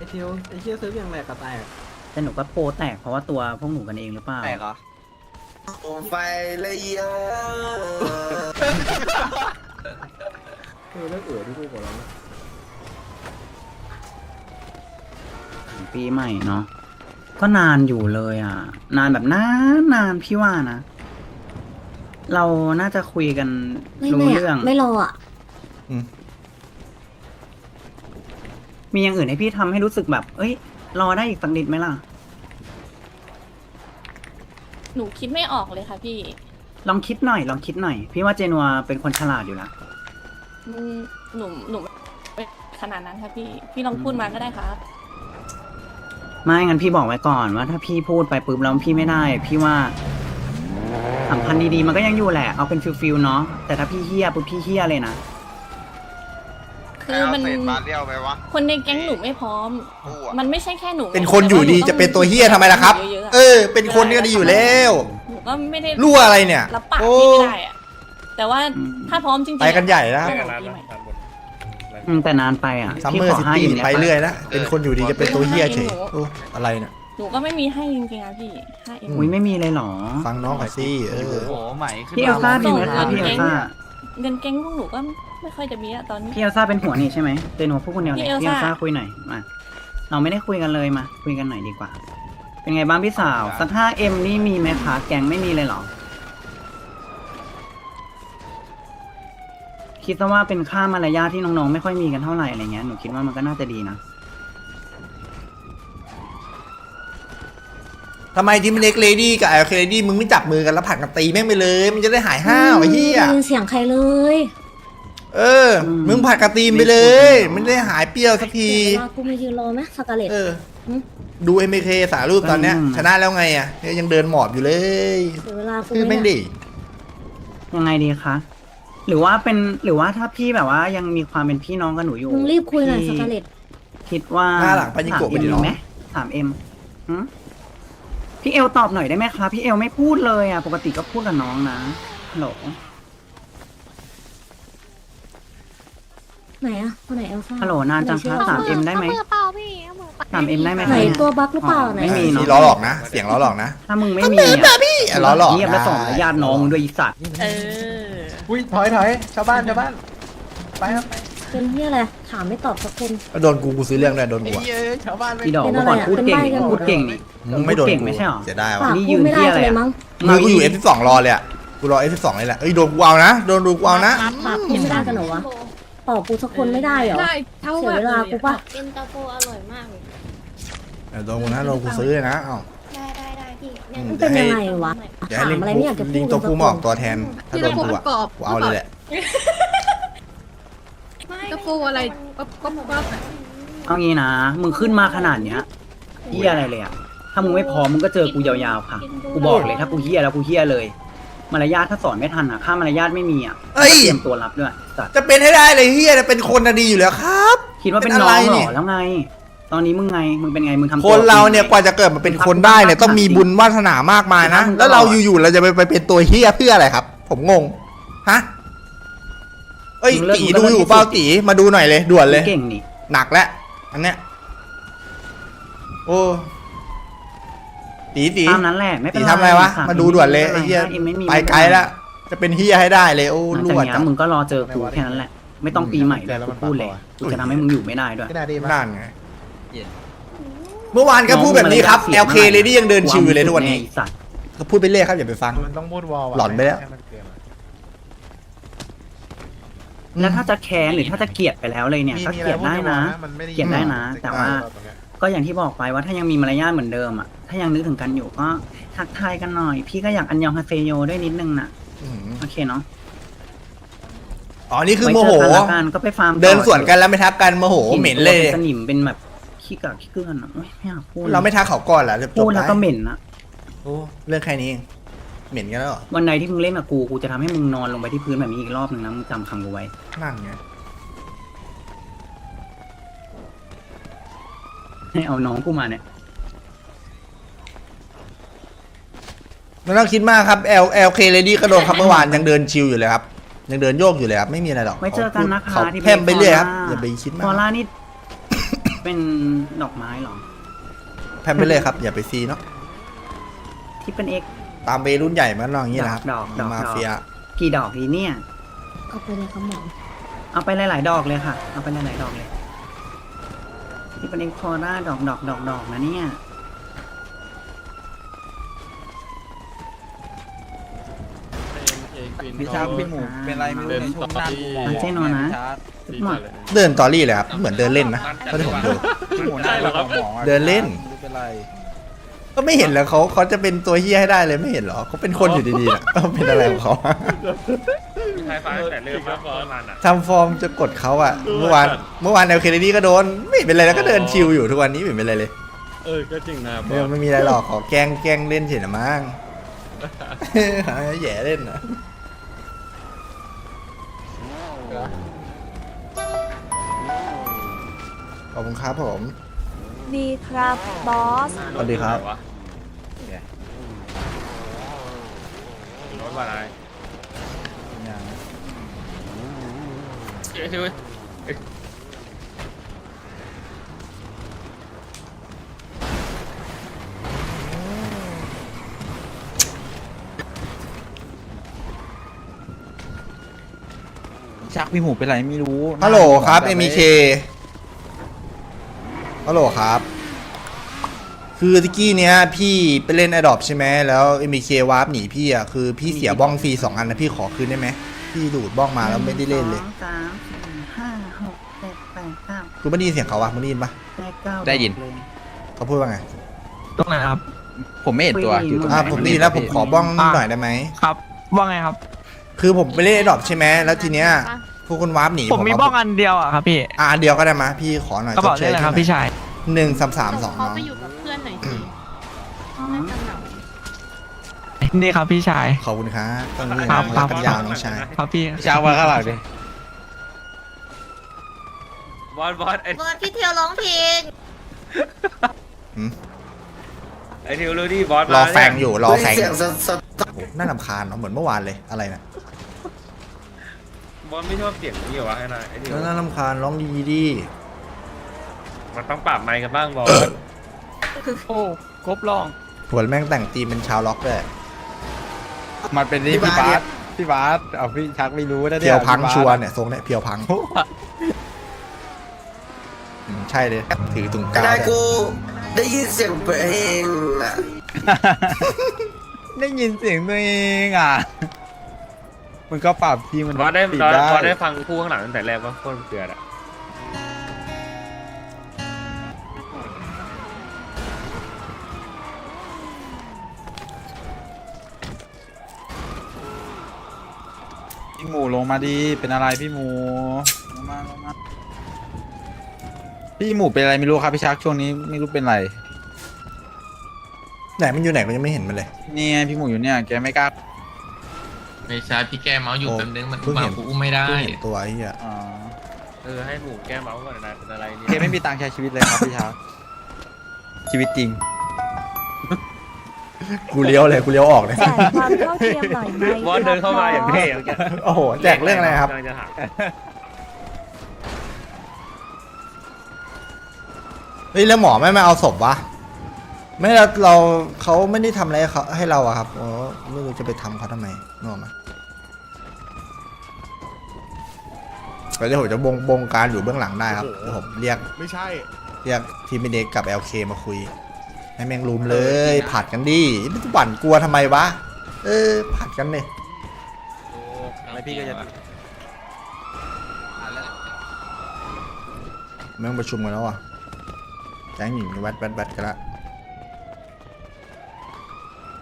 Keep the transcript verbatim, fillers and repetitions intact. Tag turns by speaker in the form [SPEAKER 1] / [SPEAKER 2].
[SPEAKER 1] ไอเทียวไอเชี่ยซื้อยังแหลกกระแตก
[SPEAKER 2] แต่หนูก็โปรแตกเพราะว่าตัวพวกหนูกันเองหรือเปล่า
[SPEAKER 3] แตกเหรอ
[SPEAKER 4] โอ้ไฟเลยอ่ะ
[SPEAKER 1] เออเลิกเอ๋อที่กูบอกแล้วนะ
[SPEAKER 2] ปีใหม่เนาะก็นานอยู่เลยอ่ะ นานแบบนานนานพี่ว่านะ เราน่าจะคุยกัน
[SPEAKER 5] ไม่
[SPEAKER 2] รู้
[SPEAKER 5] ไม่
[SPEAKER 2] เรื่อง
[SPEAKER 5] อะไม่รออ่ะ
[SPEAKER 2] มีอย่างอื่นให้พี่ทำให้รู้สึกแบบ เอ้ย รอได้อีกสักนิดไหมล่ะ
[SPEAKER 6] หนูคิดไม่ออกเลยค่ะพี่
[SPEAKER 2] ลองคิดหน่อย ลองคิดหน่อย พี่ว่าเจนัวเป็นคนฉลาดอยู่แล้ว
[SPEAKER 6] อืมหนูหนูไม่ขนาดนั้นค่ะพี่ พี่ลองพูดมาก็ได้ครับ
[SPEAKER 2] ไม่งั้นพี่บอกไว้ก่อนว่าถ้าพี่พูดไปปุ๊บแล้วพี่ไม่ได้ พี่ว่าสัมพันธ์ดีๆมันก็ยังอยู่แหละ เอาเป็นฟิลๆเนาะ แต่ถ้าพี่เฮี้ยปุ๊บพี่เฮี้ยเลยนะ
[SPEAKER 6] คือมัน
[SPEAKER 3] เศษมาเรียวไปวะ
[SPEAKER 6] คนในแก๊งหนูไม่พร้อม
[SPEAKER 3] กูอะ
[SPEAKER 6] มันไม่ใช่แค่หนู
[SPEAKER 4] เป็นคนอยู่ดีจะเป็นตัวเฮียทำไมล่ะครับ
[SPEAKER 6] เยอะๆอะ
[SPEAKER 4] เออ เป็นคนก็ดีอยู่แล้ว
[SPEAKER 6] หนูก็ไม่ได้
[SPEAKER 4] รั่วอะไรเนี่ย
[SPEAKER 6] รับปาก
[SPEAKER 4] โอ้
[SPEAKER 6] พี่ไม่ได้อะแต่ว่า
[SPEAKER 2] อืม
[SPEAKER 6] ถ้าพร้อมจริงๆ
[SPEAKER 4] ไปกันใหญ่นะ
[SPEAKER 6] ก็หลังปีใหม่
[SPEAKER 2] อืมแต่นานไปอ่ะ
[SPEAKER 4] ซัม
[SPEAKER 2] พี่
[SPEAKER 4] เมอ
[SPEAKER 2] ข
[SPEAKER 4] ร์
[SPEAKER 2] อ
[SPEAKER 4] ซิ
[SPEAKER 2] ห้า
[SPEAKER 4] ตี้
[SPEAKER 2] อิ่มได้
[SPEAKER 4] ไป
[SPEAKER 2] ปะ
[SPEAKER 4] เรื่อยนะเป็นคนอยู่ดีจะเป็นตัวเฮียเฉยโอ้อะไรเนี่ย
[SPEAKER 6] หนูก็ไม่มีให้จริงๆอะพี่ห้าเอ็ม
[SPEAKER 2] อุ้ยไม่มีเลยเหรอ
[SPEAKER 4] ฟังน้องก่อนสิเอ
[SPEAKER 3] โอ้
[SPEAKER 4] อ
[SPEAKER 3] โหใหม่ขึ้น
[SPEAKER 2] พี่เอลซ่า
[SPEAKER 6] ส่
[SPEAKER 2] มี
[SPEAKER 6] ง
[SPEAKER 2] ไหมคะ
[SPEAKER 6] เงิน
[SPEAKER 2] พี่เอล
[SPEAKER 6] เก๊ง
[SPEAKER 2] ซ่า
[SPEAKER 6] เงินแก๊งพวกหนูก็ไม่ค่อยจะมีอะตอนนี้
[SPEAKER 2] พี่เอลซ่าเป็นหัวนี่ใช่ไหมเจนัวพูดคนเดียวเลย
[SPEAKER 6] พี่
[SPEAKER 2] พี่
[SPEAKER 6] เอ
[SPEAKER 2] เอ
[SPEAKER 6] ล
[SPEAKER 2] ล
[SPEAKER 6] ซ่า
[SPEAKER 2] ซ่าคุยหน่อยมาเราไม่ได้คุยกันเลยมาคุยกันหน่อยดีกว่า เป็นไงบ้างพี่สาวสักห้าเอ็มนี่มีไหมคะแกงไม่มีเลยเหรอ คิดซะว่าเป็นค่ามารยาทที่น้องๆไม่ค่อยมีกันเท่าไหร่อะไรเงี้ยหนูคิดว่ามันก็น่าจะดีนะ
[SPEAKER 4] ทำไมทีมเล็กเลดี้กับไอเคเลดี้มึงไม่จับมือกันแล้วผัดกันตีแม่งไปเลย มันจะได้หายห้าวไอ้เหี้ย
[SPEAKER 5] ไม่ได้ยินเสียงใครเลย
[SPEAKER 4] เออ
[SPEAKER 2] อืม
[SPEAKER 4] มึงผัดกันตีมไปเลย มันได้หายเปรี้ยวสักที
[SPEAKER 5] เดี๋ยวเวลากูมายืนรอไหมสกาเลต
[SPEAKER 4] เออ ดูเอ็มเคสารูปตอนเนี้ย ชนะแล้วไงอ่ะเนี่ยยังเดินหมอบอยู่เลย
[SPEAKER 5] เดี๋ยวเวลากู
[SPEAKER 4] คือ
[SPEAKER 5] ไม่
[SPEAKER 4] แม่ง
[SPEAKER 5] ได้
[SPEAKER 4] ดิ
[SPEAKER 2] ยังไงดีคะหรือว่าเป็นหรือว่าถ้าพี่แบบว่ายังมีความเป็นพี่น้องกับหนูอยู่
[SPEAKER 5] มึงรีบคุยหน่อยส
[SPEAKER 2] พี่
[SPEAKER 5] กาเลต
[SPEAKER 2] คิดว่า
[SPEAKER 4] หน้าหลังไปยิงโกะไปดิ
[SPEAKER 2] ถาม
[SPEAKER 4] น้อง
[SPEAKER 2] ไหมถามเอ็มหืมพี่เอลตอบหน่อยได้ไหมคะพี่เอลไม่พูดเลยอ่ะปกติก็พูดกับน้องนะฮัลโหล
[SPEAKER 5] ไหนอะคนไหนเอลซ่า
[SPEAKER 2] ฮัลโหลนานจังคะถามเอ็มได้ไหมถามเอ็มได้ไหม
[SPEAKER 5] ไหน
[SPEAKER 2] คะ
[SPEAKER 5] ตัวบั๊กหรือเปล่าไหน
[SPEAKER 2] ไม่มี เนอะ
[SPEAKER 4] นี่ล้อหลอกนะ เสียงล้อหลอกนะ
[SPEAKER 2] ถ้ามึงไม่มีอ่ะ
[SPEAKER 4] อ่ะล้อหลอก
[SPEAKER 2] เงียบแล้ว
[SPEAKER 4] ได้
[SPEAKER 2] ส่งมารยาทน้องมึงด้วยอีสัตว์
[SPEAKER 6] เออ
[SPEAKER 1] อุ้ยถอยถอยชาวบ้านชาวบ้านไปครับไป
[SPEAKER 5] เป็นเฮียอะไรถามไม่ตอบสักคน
[SPEAKER 4] โดนกูกูซื้อเรื่องด้วยโดน
[SPEAKER 1] ไอ้
[SPEAKER 4] กูอะ
[SPEAKER 1] เหี้ยชาวบ้านไม่
[SPEAKER 2] พี่ดอก
[SPEAKER 5] เป็น
[SPEAKER 2] เมื่
[SPEAKER 5] อะ
[SPEAKER 2] อ
[SPEAKER 5] ไร
[SPEAKER 2] ก่อน
[SPEAKER 5] อะ
[SPEAKER 2] พูดเก่ง
[SPEAKER 5] เป็นใบ้กัน
[SPEAKER 2] พูดเก่งนี่
[SPEAKER 4] มึงไม่โดน
[SPEAKER 2] เก่ง
[SPEAKER 4] กู
[SPEAKER 2] ไม่ใช่หรอ
[SPEAKER 4] เสียดาย
[SPEAKER 5] ปา
[SPEAKER 4] ว่ะ
[SPEAKER 5] ก
[SPEAKER 2] นี่ยื
[SPEAKER 5] พูด
[SPEAKER 2] น
[SPEAKER 5] ไม่ได้
[SPEAKER 2] ที่อะไร
[SPEAKER 5] เลย
[SPEAKER 2] อะ
[SPEAKER 5] มั้ง
[SPEAKER 4] มือกูอยู่ เอฟ สิบสอง รอเลยอ่ะกูรอ เอฟ สิบสอง เลยแหละเอ้ยโดนกูเอานะโดนดูกูเอานะ
[SPEAKER 5] ปากพูดไม่ได้กันเหรอวะตอบกูสักคนไม่ได้เหรอ
[SPEAKER 7] ได้เท่า
[SPEAKER 5] เสียเวลากูปะ
[SPEAKER 7] เย็นตาโฟอร่อยมากเลย
[SPEAKER 4] เดี๋ยวโดนกูนะโดนกูซื้อเลยนะเอ้า
[SPEAKER 7] ได้ได้ได้พี่
[SPEAKER 4] อืม
[SPEAKER 5] มันเป็นยังไงวะ
[SPEAKER 4] เดี๋ยว
[SPEAKER 5] ถา
[SPEAKER 4] ให้
[SPEAKER 5] ม
[SPEAKER 4] ลิง
[SPEAKER 5] อะไรไม่อยากจะพู
[SPEAKER 4] ลิ
[SPEAKER 5] ด
[SPEAKER 4] งตัวผู้มาออกตัวแทน ถ้า
[SPEAKER 7] ที่
[SPEAKER 4] โด
[SPEAKER 7] ตาน โฟ
[SPEAKER 4] กู
[SPEAKER 7] มัน
[SPEAKER 4] อ่ะ
[SPEAKER 7] กรอบ
[SPEAKER 4] กูเอาเลยแหละ
[SPEAKER 7] ตาโฟอะไรก๊อบก๊อบก๊อบอะ
[SPEAKER 2] เอางี้นะมึงขึ้นมาขนาดเนี้ยเฮียอะไรเลยอ่ะถ้ามึงไม่พร้อมมึงก็เจอกูยาวๆค่ะกูบอกเลยถ้ากูเฮียแล้วกูเฮียเลย มารยาทถ้าสอนไม่ทันอ่ะค่ามารยาทไม่มีอ่ะ
[SPEAKER 4] เอ้ย
[SPEAKER 2] เตรียมตัวรับด้วยสัตว์
[SPEAKER 4] จะเป็นให้ได้เลยเฮียจะเป็นคนน่ะดีอยู่แล้วครับ
[SPEAKER 2] คิดว่าเป็น
[SPEAKER 4] เป็น
[SPEAKER 2] น้
[SPEAKER 4] อะไร
[SPEAKER 2] องเหร
[SPEAKER 4] นี่
[SPEAKER 2] อแล้วไง ตอนนี้มึงไงมึงเป็นไงมึงทำตัว
[SPEAKER 4] คนเราเนี่ยกว่าจะเกิดมาเป็นคนได้เนี่ยต้องมีบุญวาสนามากมายนะ แล้วเราอยู่ๆเราจะไปไปเป็นตัวเฮียเพื่ออะไรครับ ผมงงฮะเอ้ยตีดูอยู่เปล่าตีมาดูหน่อยเลยด่วนเลย
[SPEAKER 2] เก่งนี่
[SPEAKER 4] หนักแล้วอันเนี้ยโอ้ตีตี
[SPEAKER 2] ตามนั้นแหละไม่เป็น
[SPEAKER 4] ตี
[SPEAKER 2] ไร
[SPEAKER 4] ทำอะไรวะ
[SPEAKER 2] ส
[SPEAKER 4] มาดูด่วนเลยไอ้เฮีย
[SPEAKER 2] เอ็มไม่มี
[SPEAKER 4] ไปไกลแล้วจะเป็นเฮียให้ได้เลยโอ้
[SPEAKER 2] หลัง
[SPEAKER 4] ร
[SPEAKER 2] จาก
[SPEAKER 4] วด
[SPEAKER 2] เนี้ย
[SPEAKER 4] จัด
[SPEAKER 2] มึงก็รอเจอกูแค่นั้นแหละ ไม่ต้องปีใหม่ด้วยกูพูดเลยกูจะทำให้มึงอยู่ไม่ได้ด้วย
[SPEAKER 1] ก็ได้ดีมาก
[SPEAKER 4] นั่นไงเมื่อวานก็พูดแบบนี้ครับ แอล เค เลยที่ยังเดินชิวอยู่เลยทุกวันนี้
[SPEAKER 2] ไอ้สัตว์
[SPEAKER 4] ก็พูดไปเรื่อยครับอย่าไปฟัง
[SPEAKER 1] มันต้องพูดวอละ
[SPEAKER 4] หลอนไปแล้ว
[SPEAKER 1] ให้มันเกินอะ
[SPEAKER 2] แล้วถ้าจะแค้นหรือถ้าจะเกลียดไปแล้วเลยเนี่ยก็
[SPEAKER 1] มี
[SPEAKER 2] เกลียดได้นะ
[SPEAKER 1] มัม่
[SPEAKER 2] เกลียดได้นะแต่ว่า
[SPEAKER 1] ตรงเนี้ย
[SPEAKER 2] ก็อย่างที่บอกไปว่าถ้ายังมีมารยาทเหมือนเดิมอ่ะถ้ายังนึกถึงกันอยู่ก็ทักทายกันหน่อย พี่ก็อยากอันยองฮาเซโยด้วยนิดนึงน่ะ
[SPEAKER 4] อืม
[SPEAKER 2] โอเคเนาะ
[SPEAKER 4] อ๋อนี่คือโมโห
[SPEAKER 2] ไว้เจอกันละกันก็ไปฟาร์มต่อ
[SPEAKER 4] เดินสวนกันแล้วไม่ทักกันโมโหเหม็นเลย
[SPEAKER 2] ป็สนิมเป็นแบบขี้กากขี้เกลือนอ่ะโอ๊ยไม่อยากพูด
[SPEAKER 4] เราไม่ทักเขาก่อนเหรอจะจ
[SPEAKER 2] พู
[SPEAKER 4] บ
[SPEAKER 2] ดแล้ว
[SPEAKER 4] ได้
[SPEAKER 2] ก็เหม็นนะ
[SPEAKER 4] โอ้เรื่องแค่นี้เองเหม็นกันแล้วเหรอ
[SPEAKER 2] วันใดที่มึงเล่นกับกูกูจะทำให้มึงนอนลงไปที่พื้นแบบนี้อีกรอบหนึ่งนะมึงจำคำกูไว้
[SPEAKER 4] นั่นไง
[SPEAKER 2] ให้เอาน้องกูมาเนี่ย
[SPEAKER 4] ไม่ต้องคิดมากครับ L L K Lady ก็โดนครับเมื่อวานยังเดินชิลอยู่เลยครับยังเดินโยกอยู่เลยครับไม่มีอะไรหรอก
[SPEAKER 2] ไว้เจอกันนะคะ
[SPEAKER 4] เขา
[SPEAKER 2] ที่
[SPEAKER 4] แพร่มไปเรื่อยครับอย่าไปคิด
[SPEAKER 2] ฟ
[SPEAKER 4] มา
[SPEAKER 2] อก ร่านี่เป็นดอกไม้เหรอ
[SPEAKER 4] แพมไปเลยครับ อย่าไปซีเนาะ
[SPEAKER 2] ที่เป็นเอก
[SPEAKER 4] ตามเวรุ่นใหญ่มันลองอย่างนี้นะครับ
[SPEAKER 2] ดอกดอกดอก
[SPEAKER 4] มาเฟีย
[SPEAKER 2] กี่ดอกดีเนี่ย
[SPEAKER 5] เอาไปเลยครับหมอ
[SPEAKER 2] เอาไปหลายๆดอกเลยค่ะ เอาไปหลายๆดอกเลย ที่เป็นเอกคอร่าดอกดอกดอกดอกนะเนี่ย
[SPEAKER 3] พี่ชาพี่หมูเป็นไรไม่รู้ในช่วงหน้ากู
[SPEAKER 2] มันเจ๊นอนนะหมด
[SPEAKER 4] เดินตอรี่เลยครับ เหมือนเดินเล่นนะก็ที่ผมดู
[SPEAKER 3] พี่หมูหน้าเราหมอ
[SPEAKER 4] เดินเล่น
[SPEAKER 3] ไม่เป็นไร
[SPEAKER 4] ก็ไม่เห็นแล้วเขาเขาจะเป็นตัวเฮี้ยให้ได้เลยไม่เห็นเหรอเขาเป็นคนอยู่ดีๆนะเขาเป็นอะไรของเขา
[SPEAKER 8] ใช้ฟ้าแต่เริ่มมาประมาณอ่ะ
[SPEAKER 4] ทำฟอร์มจะกดเขาอะเมื่อวานเมื่อวานแนวเคเนดี้ก็โดนไม่เป็นไรแล้วก็เดินชิลอยู่ทุกวันนี้ไม่เป็นไรเลย
[SPEAKER 8] เออก็จริงนะบ
[SPEAKER 4] ไม่
[SPEAKER 8] อส
[SPEAKER 4] ไม่มีอะไรหรอกขอแกล้งแกล้งเล่นเฉยนะมั้ง แย่เล่นนะขอบคุณครับผม
[SPEAKER 9] ดีครับบอส
[SPEAKER 4] สวัสดีครับ
[SPEAKER 8] รถอะไรเฮ้ยเว้ย
[SPEAKER 3] ชักพี่หมูเป็นไรไม่รู้
[SPEAKER 4] ฮัลโหลครับ เอ็ม เค ฮัลโหลครับ คือตะกี้เนี้ยพี่ไปเล่น Adopt ใช่ไหมแล้ว เอ็ม เค วาร์ปหนีพี่อ่ะคือพี่เสียบ้องฟรีสองอันนะพี่ขอคืนได้ไหมพี่ดูดบ้องมาแล้วไม่ได้เล่นเลย
[SPEAKER 2] สองสามสี่ห้าหกเจ็ดแปดเก้า
[SPEAKER 4] คุณไม่ได้ยินเสียงเขาวะมึงได้ยินปะ
[SPEAKER 2] แปดเก้า
[SPEAKER 3] ได้ยิน
[SPEAKER 2] เลย
[SPEAKER 4] เขาพูดว่าไง
[SPEAKER 3] ตรงไหนครับ ผมไม่เห็นตัวอยู่ตรงไหน
[SPEAKER 4] อ่าผมได้ยินแล้วผมขอบ้องนิดหน่อยได้ไหม
[SPEAKER 3] ครับว่าไงครับ
[SPEAKER 4] คือผมไปเล่น Adopt ใช่ไหมแล้วทีเนี้ยพวกคุณวาร์ปหนี
[SPEAKER 3] ผมมีบ้องอันเดียวอ่ะครับพี่
[SPEAKER 4] อ่ะอันเดียวก็ได้มะพี่ขอหน่อย
[SPEAKER 3] กระเป๋าได้เลยครับพี่ชาย
[SPEAKER 4] หนึ่งสามสามสอง
[SPEAKER 7] เขา
[SPEAKER 4] น้อง
[SPEAKER 7] ไปอยู่กับเพื่อนหน่อยสิ
[SPEAKER 2] อ๋อ
[SPEAKER 7] น่าจะเหงา
[SPEAKER 3] นี่ครับพี่ชาย
[SPEAKER 4] ขอบคุณครับต้องเรียน
[SPEAKER 3] ครับ
[SPEAKER 4] รักกันยาวน้องชาย
[SPEAKER 3] ครับพี่
[SPEAKER 8] ชาวมาข้างหลังดิบอสบอสไอ้
[SPEAKER 7] บอสพี่เทียวร้องเพลง
[SPEAKER 4] หืม
[SPEAKER 8] ไอ้ทิวรู้ดิบอส
[SPEAKER 4] รอ
[SPEAKER 8] มา
[SPEAKER 4] แฟง
[SPEAKER 8] เนี่ย
[SPEAKER 4] อยู่รอแฟงอยู่โอ้โหน่ารำคาญเนาะเหมือนเมื่อวานเลยอะไรนะ
[SPEAKER 8] บอสไม่ชอบเสียงนี้เหรอวะไอ้นายไอ้ทิว
[SPEAKER 4] น่ารำคาญร้องดีดี
[SPEAKER 8] มันต้องปรับไมค์กันบ้างบอส
[SPEAKER 3] โอ้ครบลอง
[SPEAKER 4] หัวแม่งแต่งตีมเป็นชาวล็อกด้วย
[SPEAKER 3] มันเป็นนี่พี่บาสพี่บาสเอาพี่ชักไม่รู้นะ
[SPEAKER 4] เพียวพังชัวร์เนี่ยทรงเนี่ยเพียวพังอืมใช่เลยถือถุงกาว
[SPEAKER 10] ได้
[SPEAKER 4] เนี่ย
[SPEAKER 10] กูได้ยินเสียงเพลงอะ
[SPEAKER 3] ได้ยินเสียงตัวเองอ่ะ มันก็ปรับที่มัน
[SPEAKER 8] บอสได้
[SPEAKER 3] ปิ
[SPEAKER 8] บอส
[SPEAKER 3] ได้
[SPEAKER 8] บอสได้ฟังคู่ข้างหลังตั้งแต่แรกว่าโคตรเกลืออะ
[SPEAKER 3] พี่หมูลงมาดีเป็นอะไรพี่หมูลงมาลงมาพี่หมูเป็นอะไรไม่รู้ครับพี่ชักช่วงนี้ไม่รู้เป็นไร
[SPEAKER 4] ไหนมันอยู่ไหนก็ยังไม่เห็นมันเลย
[SPEAKER 3] นี่ไงพี่หมูอยู่เนี่ยแกไม่กล้า
[SPEAKER 11] ไม่ใช่พี่แก้เมาส์อยู่
[SPEAKER 4] โอ้
[SPEAKER 11] แป๊บนึงมัน
[SPEAKER 4] เพิ่ง
[SPEAKER 11] มา
[SPEAKER 4] เห็น
[SPEAKER 11] กูอุ้มไม่ได้
[SPEAKER 4] เพิ่งเห็นตัวไอ้เหี้ย
[SPEAKER 3] อ๋อ
[SPEAKER 8] เออให้หมูแก้เมาส์ก่อนนะเป็นอะไรเนี่ย
[SPEAKER 3] แกไม่มีตังค์ใช้ชีวิตเลยครับพี่ชักชีวิตจริง
[SPEAKER 4] กูเลี้ยวเลยกูเลี้ยวออกเลย
[SPEAKER 9] แจกความเท่าเทียมหน่อยไหม
[SPEAKER 8] บอสเดินเข้ามาอย่างเท่เมื่อกี้
[SPEAKER 4] โอ้โหแจกเรื่องอะไรครับ
[SPEAKER 8] กำลังจะถาม
[SPEAKER 4] เฮ้ยแล้วหมอไม่มาเอาศพวะไม่เราเราเขาไม่ได้ทำอะไรให้เขาให้เราอะครับอ๋อไม่รู้จะไปทำเขาทำไมนึกออกไหมเดี๋ยวผมจะบงบงการอยู่เบื้องหลังได้ครับเดี๋ยวผมเรียก
[SPEAKER 1] ไม่ใช่
[SPEAKER 4] เรียกทีมเด็กกับ แอล เค มาคุย ให้แมงรุมเลยผัดกันดิไม่ต้องบั่นกลัวทำไมวะ เออผัดกันเลย
[SPEAKER 3] แล้วพี่ก็จะ
[SPEAKER 4] แม่งประชุมกันแล้วอ่ะแจ้งหญิงแวดแวดแวดกันละ